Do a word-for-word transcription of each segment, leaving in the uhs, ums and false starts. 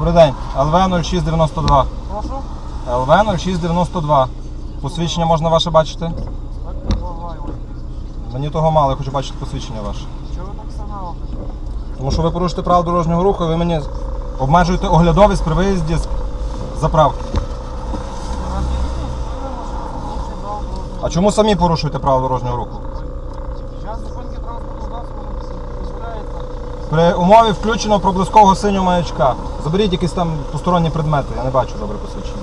Добрий день. Ел Ве нуль шість дев'яносто два. Прошу? Ел Ве нуль шість дев'яносто два. Посвідчення можна ваше бачити? Мені того мало, я хочу бачити посвідчення ваше. Чого ви так сигналите? Тому що ви порушите правила дорожнього руху, і ви мені обмежуєте оглядовість при виїзді з заправки. А чому самі порушуєте правила дорожнього руху? Час зупинки транспортного засобу дозволяється. При умові включеного проблискового синього маячка. Заберіть якісь там посторонні предмети, я не бачу добре посвідчення.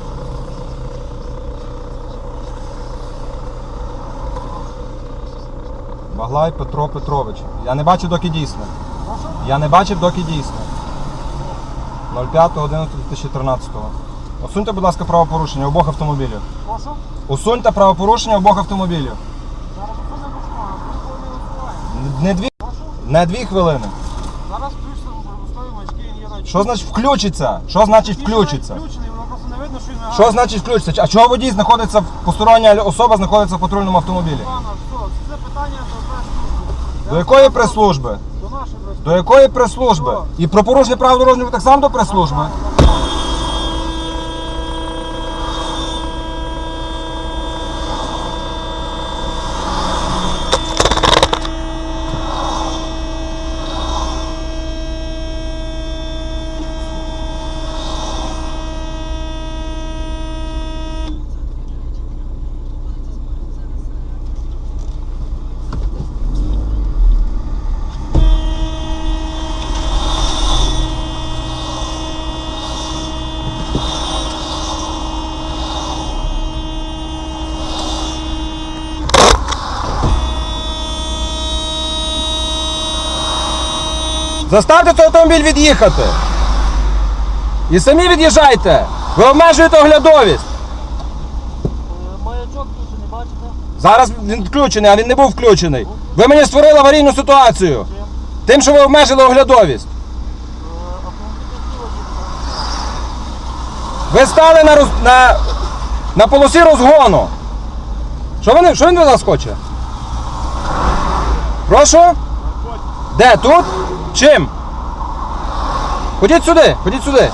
Баглай Петро Петрович. Я не бачив, доки дійсне. Я не бачив, доки дійсне. нуль п'ять одинадцять дві тисячі тринадцятого. Усуньте, будь ласка, правопорушення обох автомобілів. Прошу? Усуньте правопорушення обох автомобілів. Зараз зупинимо почнемо. Ми не Не дві, не дві хвилини. Зараз включимо пробустові маячки, він є на... Що значить включиться? Що значить включиться? Включений, воно просто не видно, що він не Що значить включиться? А чого водій знаходиться, постороння особа знаходиться в патрульному автомобілі? Пана, все, це питання до прес-служби. До якої прес-служби? До нашої прес-служби. До якої прес-служби? І про порушення прав дорожнього руху так само до прес-служби? Заставте цей автомобіль від'їхати. І самі від'їжджайте. Ви обмежуєте оглядовість. Маячок включений, бачите? Зараз він включений, а він не був включений. Ви мені створили аварійну ситуацію. Тим, що ви обмежили оглядовість. Ви стали на, роз... на... на полосі розгону. Що він, що він від нас хоче? Прошу? Де? Тут? Чим? Ходіть сюди, ходіть сюди.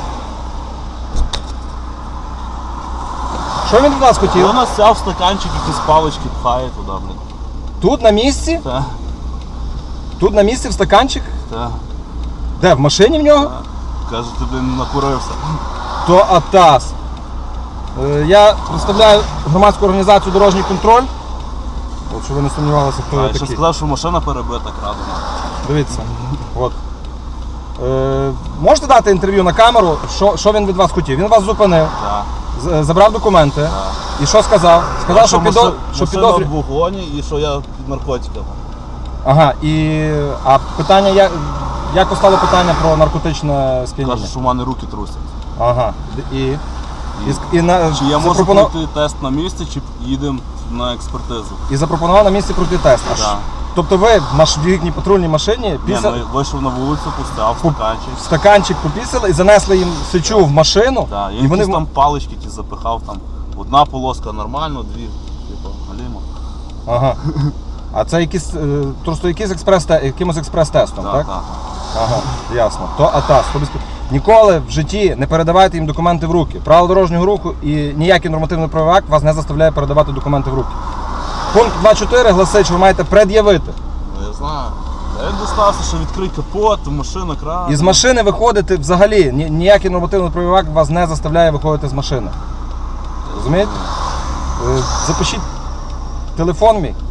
Що він від нас хотів? У нас взяв стаканчик, якісь палички пхає туди, блін. Тут на місці? Так, Тут на місці в стаканчик? так. Де? В машині в нього? Каже, ти, блін, накурився. То АТАС. Е, Я представляю громадську організацію «Дорожній контроль». От, щоб ви не сумнівалися, хто А, я я ще такий. сказав, що машина перебита крадена. Дивіться. От. Е, можете дати інтерв'ю на камеру, що, що він від вас хотів? Він вас зупинив, Так. з- забрав документи. Так. І що сказав? Сказав, що, підо... машина, що машина підозрює. в вогоні і що я під наркотиками. Ага, і а питання, як, як постало питання про наркотичне сп'яніння? Каже, що в мене руки трусять. Ага. І, і, І, і, на, чи я можу запропонував, пройти тест на місці, чи їдемо на експертизу. і запропонував на місці пройти тест. Аж, Так. тобто ви в маш- в їхній патрульній машині Ні, після... ну, вийшов на вулицю, пустяв стаканчик. в стаканчик попісили і занесли їм сечу в машину. Так, я і вони якісь там палички ті запихав, там одна полоска нормально, дві, типу, галімо. Ага. А це якісь, е, просто якийсь експрес, якимось експрес-тестом, так? Так, так. Ага, ясно. То АТАС. То без... Ніколи в житті не передавайте їм документи в руки. Правила дорожнього руху і ніякий нормативний правовий акт вас не заставляє передавати документи в руки. Пункт два чотири гласить, що ви маєте пред'явити. Ну, я знаю. Я дістався, що відкрий капот, машина крана. І з машини виходити взагалі. Ні- Ніякий нормативний правовий акт вас не заставляє виходити з машини. Розумієте? Е, Запишіть телефон мій.